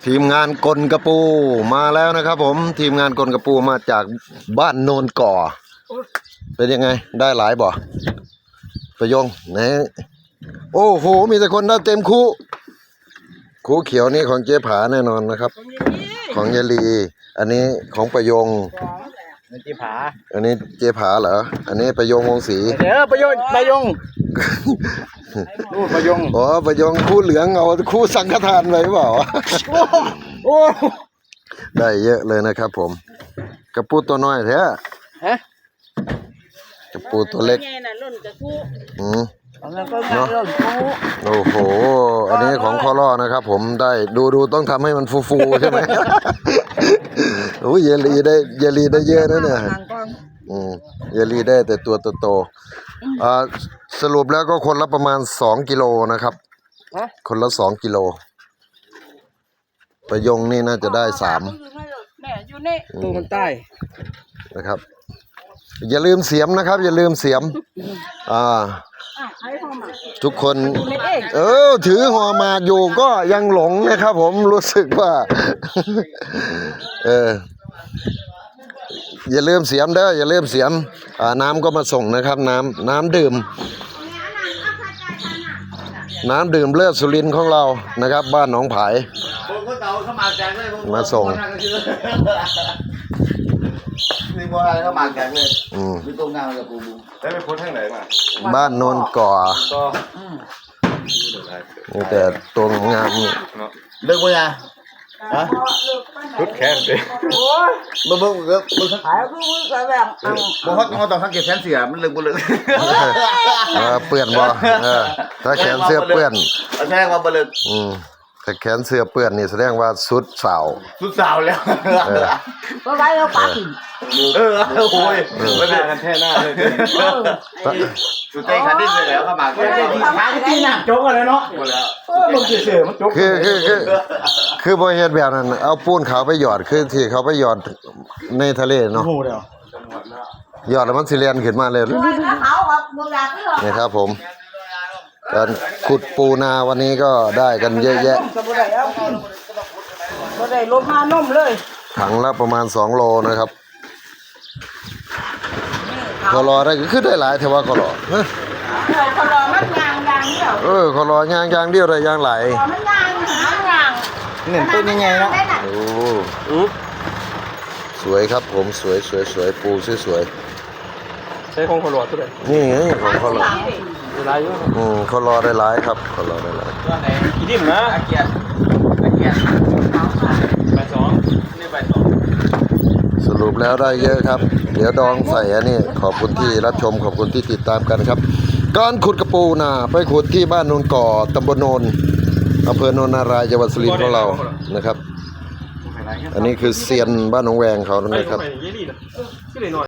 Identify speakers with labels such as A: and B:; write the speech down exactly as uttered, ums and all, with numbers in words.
A: ทีมงานกลกระปูมาแล้วนะครับผมทีมงานกลกระปูมาจากบ้านโนนก่อเป็นยังไงได้หลายบ่ประยงไหนโอ้โหมีแต่คนได้เต็มคู่คู่เขียวนี่ของเจ๊ผาแน่นอนนะครับของยายลีอันนี้ของประยง
B: เจ๊ผา
A: อันนี้เจ๊ผาเหรออันนี้ประยงวงศรี
B: เดี๋ยวประยงประยงประยง
A: อ๋อประยงคู่เหลืองเอาคู่สังฆทานไว้เปล่า
B: โอ้
A: ได้เยอะเลยนะครับผมกระปูตัวน้อยแท้
B: ฮะ
A: กระปูตัวเล็กอืมเนาะโอ้โหอันนี้ของข้อล่อนะครับผมได้ดูดูต้องทำให้มันฟูๆใช่ไหมโอ้ยเยลีได้เยลีได้เยอะนะเนี่ยอืมเยลีได้แต่ตัวโตๆอ่าสรุปแล้วก็คนละประมาณสองกิโลนะครับคนละสองกิโลประยงนี่น่าจะได้สาม
B: ตัวมันใต้
A: นะครับอย่าลืมเสียมนะครับอย่าลืมเสียมอ่าทุกคนเออถือหัวมาอยู่ก็ยังหลงนะครับผมรู้สึกว่าเอออย่าลืมเสียมเด้ออย่าลืมเสียมอ่าน้ำก็มาส่งนะครับน้ำน้ำดื่มน้ำดื่มเลือดสุรินทร์ของเรานะครับบ้านหนองผายมาส่ง
C: นี่ว่าอะไรเขาหมากแกงเลยอืมมีตรงงานกับปูบู
A: ได้ไปพ้นทางไหนมาบ้านโนนก่อนี่แต่ตัวงาม
C: เลิกมั้ยอ่ะฮะ
A: ชุดแขนสิ
C: มึงมึงมึงมึงขายมึงมึงแบบมึงฮอตมึงต้องสังเกตแขนเสียมันเลิกบ่เลิก
A: เปื้อนบ่ถ้าแขนเสื้อเปื้อน
C: แสดงว่าบ่เลิก
A: อืมแต่แขนเสื้อเปื้อนนี่แสดงว่าสุดสาว
C: สุดสาวแล้ว
B: ก็ไว้แล้วปัก
C: เออโอ้ยไม่ได้กันแท้หน้าเลยสุดใจขันดิ้นเลยแล้วก็มาแค่ที่ขาที่หนักโจ๊กอะไรเนาะหมดแล้วเออมันเฉยๆมันโจ๊ก
A: คือคือคือคือบ่เฮ็ดแบบนั้นเอาปูนขาวไปหยอดคือที่เขาไปหยอดในทะเลเนาะหยอดแล้วมันสิเลียนขึ้นมาเลยนี่ครับผมการขุดปูนาวันนี้ก็ได้กันเยอะแยะ
B: ก็ได้ลดมานุ่มเลย
A: ถังละประมาณสองโลนะครับคอรอได้คือได้หลายเทว่าคอรอ
B: คอรอมันยางยางเดียว
A: เออคอรอยางยางเดียวได้ยางไหล
B: มันยางยาง
C: เหมือนต้นยังไงเนาะ
A: โอ้สวยครับผมสวยสวยสวยปูสวยสวย
B: ใช้ของคอรอตัวไหน
A: นี่ไงของคอรอ
B: หลายอยู่
A: อืมคอรอได้หลายครับคอรอได้หลาย
B: ตัวไหนกี่ดิ่มนะอาเกียร์อาเกียร์ใบสองนี่ใบสอง
A: สรุปแล้วได้เยอะครับเดี๋ยวดองใส่อันนี้ขอบคุณที่รับชมขอบคุณที่ติดตามกันครับการขุดกระปูนาไปขุดที่บ้านโนนก่อตำบลโนนอำเภอโนนนารายจังหวัดสุรินทร์ของเรานะครับอันนี้คือเซียนบ้านหนองแวงเขานะครับ